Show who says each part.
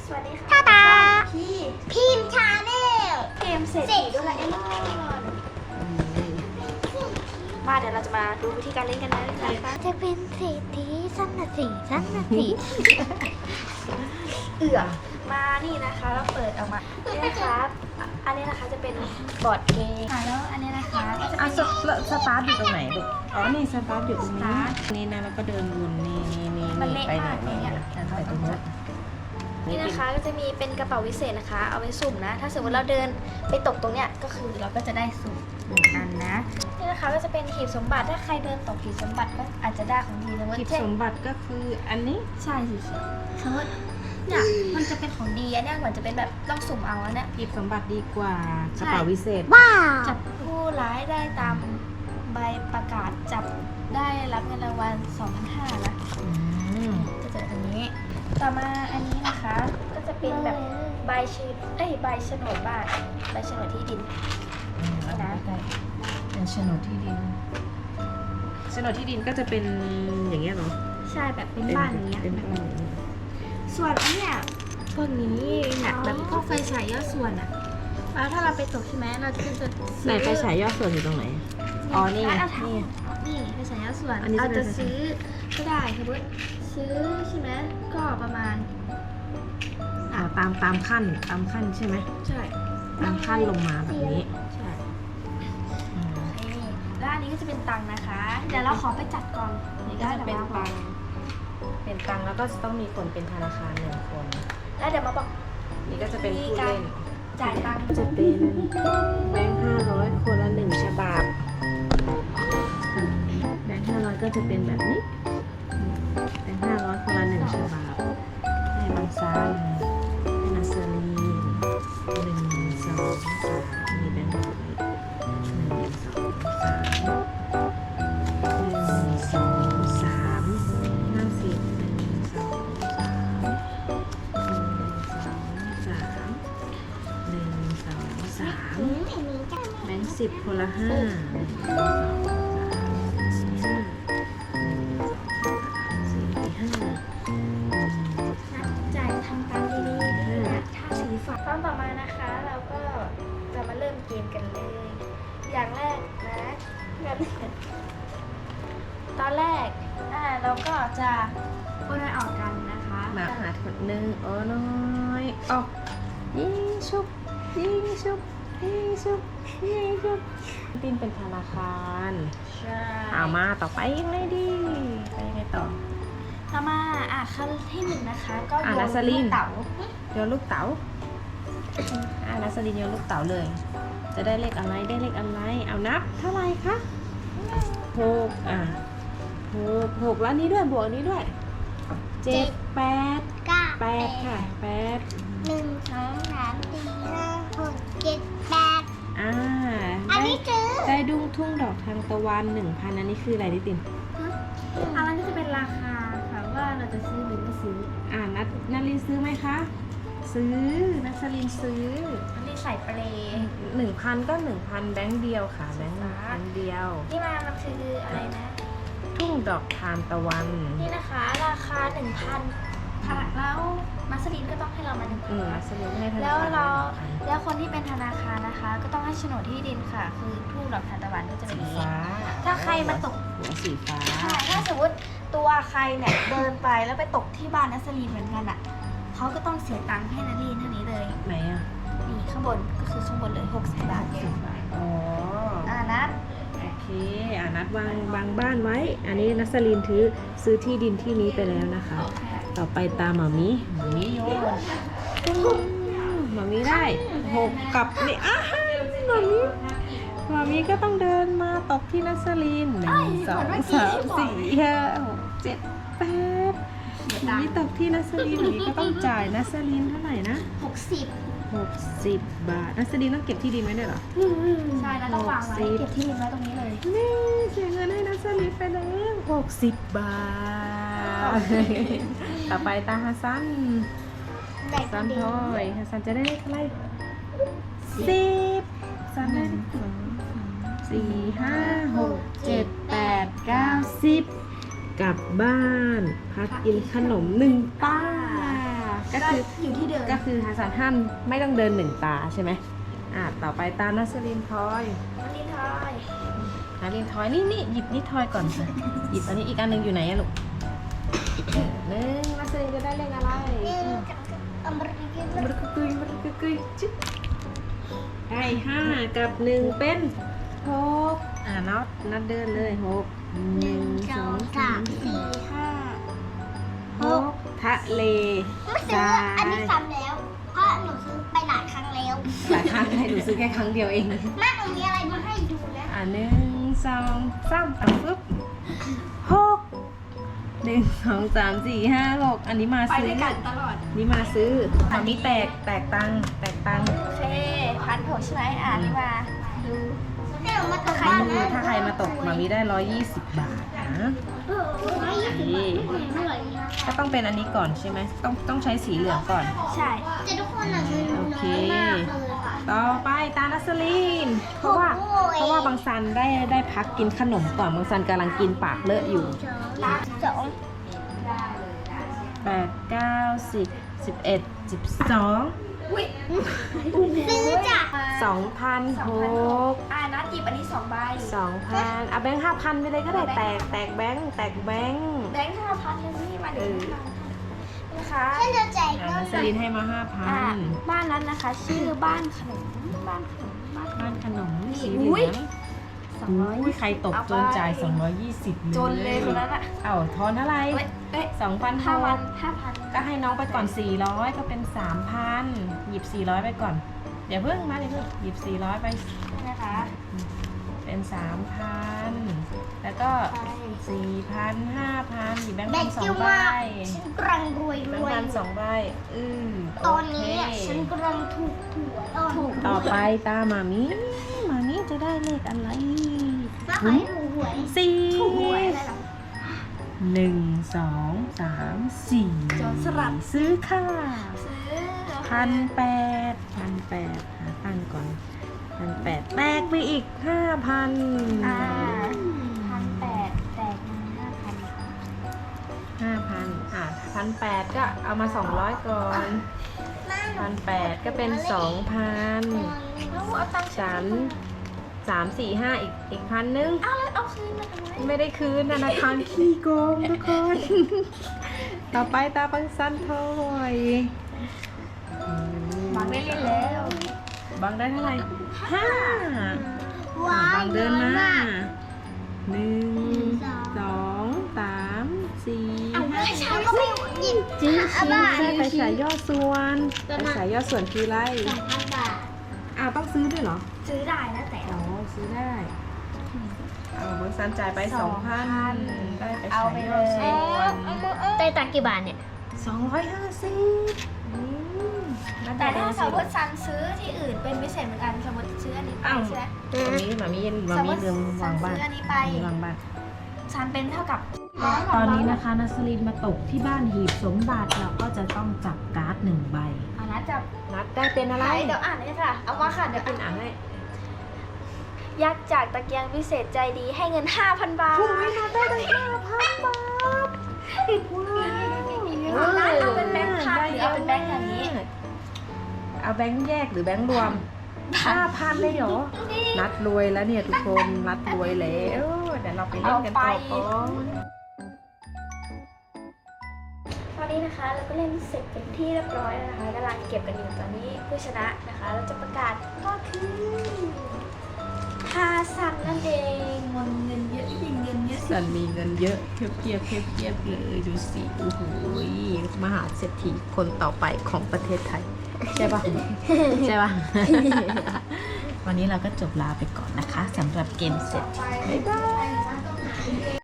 Speaker 1: สวัสดีค่ะ
Speaker 2: ตาตา
Speaker 1: พี่
Speaker 2: พิมพ์ชาแนล
Speaker 1: เกมเศรษฐีโดราเอมอนมาเดี๋ยวเราจะมาดูวิธีการเล่นกันเลยนะคะ
Speaker 2: จะเป็นเศรษฐีสั้นนาทีสั้นนาที
Speaker 1: เอือมานี่นะคะเราเปิดออกมานี่นะคะอันนี้นะคะจะเป็นบอร์ดเกมค่ะแล้วอันนี้นะคะก็จะเป็น
Speaker 3: สตาร์ทอยู่ตรงไหนลูกอ๋อ นี่สตาร์ทอยู่ตรง
Speaker 1: ส
Speaker 3: นี้
Speaker 1: ตาร์ท
Speaker 3: นี่นะแล้วก็เดินวนนี่
Speaker 1: มันเละ
Speaker 3: ไปไหน
Speaker 1: มากเลยเนี่ย
Speaker 3: ไปตรงนู้น
Speaker 1: นี่นะคะก็จะมีเป็นกระเป๋าวิเศษนะคะ เอาไว้สุ่มนะ ถ้าสมมติเราเดินไปตกตรงเนี้ยก็คือเราก็จะได้สุ่มหนึ่งอันนะนี่นะคะก็จะเป็นหีบสมบัติถ้าใครเดินตกหีบสมบัติก็อาจจะได้ของดีสมมติ
Speaker 3: หีบ
Speaker 1: เช่น
Speaker 3: สมบัติก็คืออันนี้
Speaker 1: ใช่สิสมมติเนี่ยมันจะเป็นของดีอันเนี้ยเหมือนจะเป็นแบบต้องสุ่มเอาอันเนี้ย
Speaker 3: หีบสมบัติดีกว่ากระเป๋าวิเศษ
Speaker 2: ว้าว
Speaker 1: จับผู้ร้ายได้ตามใบประกาศจับได้รับเงินรางวัล 2,500 นะ จะเจออันนี้ ต่อมาอันนี้นะคะ ก็จะเป็นแบบใบชื่อใบโฉนดบ้านใบโฉนดที่ดินนี่นะ
Speaker 3: เป็นโฉนดที่ดินโฉนดที่ดินก็จะเป็นอย่างเงี้ยเหรอ
Speaker 1: ใช่แบบเป็นบ้านอย่างเงี้ย
Speaker 3: เป็นบ้านอย่างเงี้ย
Speaker 1: ส่วนอันเนี้ยพวกนี้เนี่ยแบบพวกไฟฉายย่อส่วนอะแล้วถ้าเราไปตกใช่ไหมเราจะซื้อ
Speaker 3: ไหนไฟฉายยอดส่วนอยู่ตรงไหน อ๋อ นี่ไง
Speaker 1: เอา
Speaker 3: นี่
Speaker 1: นี่ไฟฉายย่อส่วน
Speaker 3: อันนี้
Speaker 1: เรา
Speaker 3: จะ
Speaker 1: จะ
Speaker 3: เป็น
Speaker 1: ซื้อก็ได้สมมติซื้อใช่ไหมก็ประมาณ
Speaker 3: อ๋อตามขั้นใช่ไหม
Speaker 1: ใช่
Speaker 3: ตามขั้นลงมาแบบนี้
Speaker 1: ใช่
Speaker 3: อืม
Speaker 1: นี่แล้วอันนี้ก็จะเป็นตังค์นะคะ เดี๋ยวเราขอไปจัดก่อน
Speaker 3: นี่ก็จะเป็นตังค์เป็นตังค์แล้วก็จะต้องมีคนเป็นธนาคาร1 คน
Speaker 1: แล้วเดี๋ยวมาบอก
Speaker 3: นี่ก็จะเป็นผู้เล่น
Speaker 1: จ่ายตังค์
Speaker 3: จะเป็นแบงค์500 คนละ1 ฉบับแบงค์500 ก็จะเป็นแบบนี้แบงค์500 คนละ1 ฉบับให้บางซันให้นาซาลี1 2 3มีแบงค์1 2 3 50 แบงค์10 คนละ5 1 2 3 4 5
Speaker 1: จ่ายทำตามดีๆนะถ้าสีฟ้าตอนต่อมานะคะ เราก็จะมาเริ่มเกมกันเลย อย่างแรกนะตอนแรกเราก็จะโอนออกกันนะคะ
Speaker 3: มาหาคนหนึ่งโอ้น้อยออกยิงชุบยิงชุบยิงชุบยิงชุบตินเป็นธนาคาร
Speaker 1: ใช่
Speaker 3: เอามาต่อไปยังไงดีไปยังไงต่อ
Speaker 1: ต่อมาขั้นที่หนึ่งนะคะ ก็โยน
Speaker 3: นัสลิน
Speaker 1: ลูกเต๋า
Speaker 3: โยนลูกเต๋านัสลินโยนลูกเต๋าเลย จะได้เลขอะไรได้เลขอะไรเอานับเท่าไหร่คะ66แล้วนี้ด้วยบวกนี้ด้วย7 8
Speaker 2: เก้า
Speaker 3: 8ค่ะ8
Speaker 2: 1 2 3 4 5 6 7 8
Speaker 3: อ่า
Speaker 2: อันนี้ซื้อ
Speaker 3: ได้ดุ้งทุ่งดอกทางตะวัน 1,000 อันนี้คืออะไรดิติน
Speaker 1: อันนั้นก็จะเป็นราคาค่ะว่าเราจะซื้อหรือไม่ซื้อ
Speaker 3: นัทลินซื้อไหมคะ ซื้อนัทลินซื้อ
Speaker 1: อันนี้ใส่เปรย์
Speaker 3: 1,000 ก็ 1,000 แบงค์เดียวค่ะ แบงค์1,000เดียว
Speaker 1: นี่มันคืออะไรนะ
Speaker 3: ทุ่งดอกทานตะวัน
Speaker 1: นี่นะคะราคา 1,000แล้วมัสลินก็ต้องให้เรามา1,000
Speaker 3: นัทลินให้ธนา
Speaker 1: แล้ว
Speaker 3: คาร
Speaker 1: แล้วคนที่เป็นธนาคารนะคะ ก็ต้องให้โฉนดที่ดินค่ะ คือทุ่งดอกทานตะวันก็จะเป็น
Speaker 3: สี
Speaker 1: อย่างนี้
Speaker 3: ฟ้า
Speaker 1: ถ้าใครมาตก
Speaker 3: หัวสีฟ้า
Speaker 1: ใช่ถ้าสมมติตัวใครเนี่ยเดินไปแล้วไปตกที่บ้านนัสลีนเหมือนกันอ่ะเขาก็ต้องเสียตังค์ให้นัสลีนเท่านี้เลย
Speaker 3: ไหนอ่ะ
Speaker 1: นี่ข้างบนก็คือข้างบนเลย60 บาท
Speaker 3: อ๋อ
Speaker 1: นัด
Speaker 3: โอเคนัดวางบ้านไว้ อันนี้นัสลินซื้อที่ดินที่นี้ไปแล้วนะคะ ต่อไปตามหมามิโยนหมามิได้6กับนี่หมามิก็ต้องเดินมาตกที่นัสลิน1 2 3 4 5 6 7 8หมามิตกที่นัสลินหมามิก็ต้องจ่ายนัสลินเท่าไหร่นะ
Speaker 1: 60
Speaker 3: 60 บาทนัสลินต้องเก็บที่ดินไว้ด้วยเหรอ
Speaker 1: ใช่แล้วต้องวางไว้เก็บที่ดินไว้ตรงนี้เลย
Speaker 3: นี่เสียเงินให้นัสลินไปแล้ว60 บาท ต่อไปตาฮัสซัน
Speaker 2: ได้
Speaker 3: ซัน
Speaker 2: ดี
Speaker 3: ทอยฮัสซันจะได้เลขอะไร10ซันได้4 5 6 7 8 9 10กลับบ้านพักกินขนม1 ป้าก็คือ
Speaker 1: อยู่ที่เดิม
Speaker 3: ก็คือฮัสซันห้ามไม่ต้องเดิน1 ตาใช่ไหมต่อไปตานัสลินทอย
Speaker 1: อันนี้ทอย
Speaker 3: นัสลินทอยนี่หยิบนี่ทอยก่อนค่ะหยิบอันนี้อีกอันหนึงอยู่ไหนอะลูกนัสลินจะได้เลขอะไร
Speaker 2: อเมริกัน
Speaker 3: มันกุยจิ๊บได้5 กับ 1 เป็น6นัดเดินเลย6 1 2 3
Speaker 2: 4
Speaker 3: 6ทะเล
Speaker 2: ไม่ซื้ออันนี้ซ้ำแล้ว เพราะหนูซื้อไปหลายครั้งแล้ว
Speaker 3: หลายครั้งให้ดูซื้อแค่ครั้งเดียวเอง
Speaker 2: แม่หนูมีอะไรมาให้ดูนะ
Speaker 3: 1 2 3ปึ๊บ6 1 2 3 4 5 6อันนี้มา
Speaker 1: ไป
Speaker 3: ซื้อ
Speaker 1: ด้วยกันตลอด
Speaker 3: นี่มาซื้อมันมีแตกตังค์
Speaker 1: โอเค1,600ใช่ไหมนี่มาดู
Speaker 2: ให้หนูมาตก
Speaker 3: ถ้า
Speaker 2: บ้านนะ
Speaker 3: ใครมาตกมามีได้120 บาทนะ ก็ต้องเป็นอันนี้ก่อนใช่ไหมต้องใช้สีเหลืองก่อน
Speaker 1: ใช่
Speaker 2: แต่ทุกคนอ่ะเงิน
Speaker 3: โอเค
Speaker 2: น้อยมากเลยค่ะ
Speaker 3: ต่อไปตานัสลีนเพราะว่าบางซันได้พักกินขนมก่อนบางซันกำลังกินปากเลอะอยู่
Speaker 2: 2
Speaker 3: 8 9 10 11 12
Speaker 1: อุ้ย
Speaker 2: ซื้อจ้ะ
Speaker 3: 2,600
Speaker 1: นัดหยิบอันนี้2 ใบ
Speaker 3: 2,000เอาแบงค์5,000ไปเลยก็ได้แตกแบงค์
Speaker 1: แบงค์5,000เลยนี่มาถึงนะคะ
Speaker 2: ฉันจะแจกเงิ
Speaker 3: นั
Speaker 2: น
Speaker 3: สลีนให้มา
Speaker 1: บ้านนั้นนะคะ ชื่อบ้านขนมบ้าน
Speaker 3: 5,000บ้านขนมสีเห
Speaker 1: อุ๊
Speaker 3: ลื
Speaker 1: ย
Speaker 3: องอุ้ยใครตกจนจ่าย220
Speaker 1: จนเลยคนนั้นอ่ะ
Speaker 3: เอาทอนเท่าไหร่
Speaker 1: เอ้ย
Speaker 3: 2,600 ก็ให้น้องไปก่อน 400 ก็เป็น 3,000 หยิบ 400 ไปก่อน เดี๋ยวเพิ่งหยิบ 400 ไป
Speaker 1: นะคะ
Speaker 3: เป็น 3,000 แล้วก็ 4,000 5,000 หยิบแบงค์
Speaker 2: แบ
Speaker 3: พั
Speaker 2: ก
Speaker 3: นสอ
Speaker 2: กิ้
Speaker 3: ง
Speaker 2: ว
Speaker 3: ใบ
Speaker 2: มากฉันกำลังรวย
Speaker 3: แบ
Speaker 2: รง
Speaker 3: ค์
Speaker 2: วย
Speaker 3: พันสองใบโ
Speaker 2: ตอนนี้
Speaker 3: เค
Speaker 2: ฉันกำลังถูกหวยถูก
Speaker 3: ต่อไปตามามิจะได้เลขอะไร
Speaker 2: มาขอให้ถูกหวย
Speaker 1: ถูกหวย
Speaker 3: 4
Speaker 1: อะไรหรอ
Speaker 3: 1 2 3
Speaker 1: โจรสลัด
Speaker 3: 4ซื้อค่ะ
Speaker 1: ซื้อ
Speaker 3: 1,800หาตั้งก่อน1,800แตกไปอีก 5,000
Speaker 1: 1,800แตกมา5,000
Speaker 3: 1,800ก็เอามา200ก่อน1,800ก็เป็น 2,000
Speaker 1: แล้วเอาตังค์ฉัน
Speaker 3: 3 4 5อีก1,000นึง
Speaker 1: เอาคืนมาทำไม
Speaker 3: ไม่ได้คืนธนาคารขี้โกงทุกคน ต่อไปตาบังซันทอย
Speaker 1: บางได้เล่นแล้ว
Speaker 3: บังได้เท่าไหร่5
Speaker 2: ว้า
Speaker 3: บั
Speaker 2: ว
Speaker 3: งเดินมา
Speaker 2: มาก
Speaker 3: 1 2 3
Speaker 2: เอา
Speaker 3: 4
Speaker 2: ไปฉันก็ไม่หยิบ
Speaker 3: จิ้ม
Speaker 2: เอา
Speaker 3: ชี้
Speaker 2: บ้า
Speaker 3: ได้ไปฉายย่อส่วนไปฉายย่อส่วนคืออะไร
Speaker 2: 2,000 บาท
Speaker 3: ต้องซื้อด้วยเหรอ
Speaker 1: ซื้อได้นะแต่
Speaker 3: อ๋อซื้อได้เบิร์ซันจ่ายไป 2,000 ได้ไป
Speaker 1: เอา
Speaker 3: ฉาย
Speaker 1: ไป
Speaker 3: ย่อ
Speaker 1: เลย
Speaker 3: ส่วน
Speaker 2: ได้ตังค์กี่บาทเนี่ย
Speaker 3: 250
Speaker 1: แต่ถ้าสมมติซันซื้อที่อื่นเป็นพิเศษเหมือนกันสมมติซื้ออันนี้ไปใช่ไหม
Speaker 3: มามีลืมวางบ้าน
Speaker 1: ซื้ออันนี้ไป
Speaker 3: วางบ้าน
Speaker 1: ซันเป็นเท่ากับ
Speaker 3: ตอนนี้นะคะนัสลินมาตกที่บ้านหีบสมบัติเราก็จะต้องจับการ์ด1 ใบ
Speaker 1: นะจับ
Speaker 3: นัดได้เป็นอะไร
Speaker 1: เดี๋ยวอ่านเลยค่ะ เอามาค่ะ เดี๋ยว
Speaker 3: เป็นอ่านให้
Speaker 1: ยักษ์จากตะเกียงวิเศษใจดีให้เงิน 5,000 บาท
Speaker 3: ถูกไหมนัดได้ตั้ง5,000 บาท
Speaker 1: เอาเป็นแบงค์พันหรือเอาเป็นแบงค์อย่างนี้
Speaker 3: เอาแบงค์แยกหรือแบงค์รวม 5,000 เลยเหรอ นัดรวยแล้วเนี่ยทุกคนนัดรวยแล้วเดี๋ยวเราไปเล่นกันต่อก่อน
Speaker 1: ตอนนี้นะคะเราก็เล่นเสร็จเป็นที่เรียบร้อยแล้วนะคะกำลังเก็บกันอยู่ตอนนี้ผู้ชนะนะคะ เราจะประกาศก็คือฮาซันนั่นเองเงินเยอะจริงเงินเยอะ
Speaker 3: สันมีเงินเยอะเทียบเลยดูสิโอ้โหมหาเศรษฐีคนต่อไปของประเทศไทย ใช่ปะ ใช่ปะ วันนี้เราก็จบลาไปก่อนนะคะสำหรับเกมเสร็จ
Speaker 1: บ๊ายบาย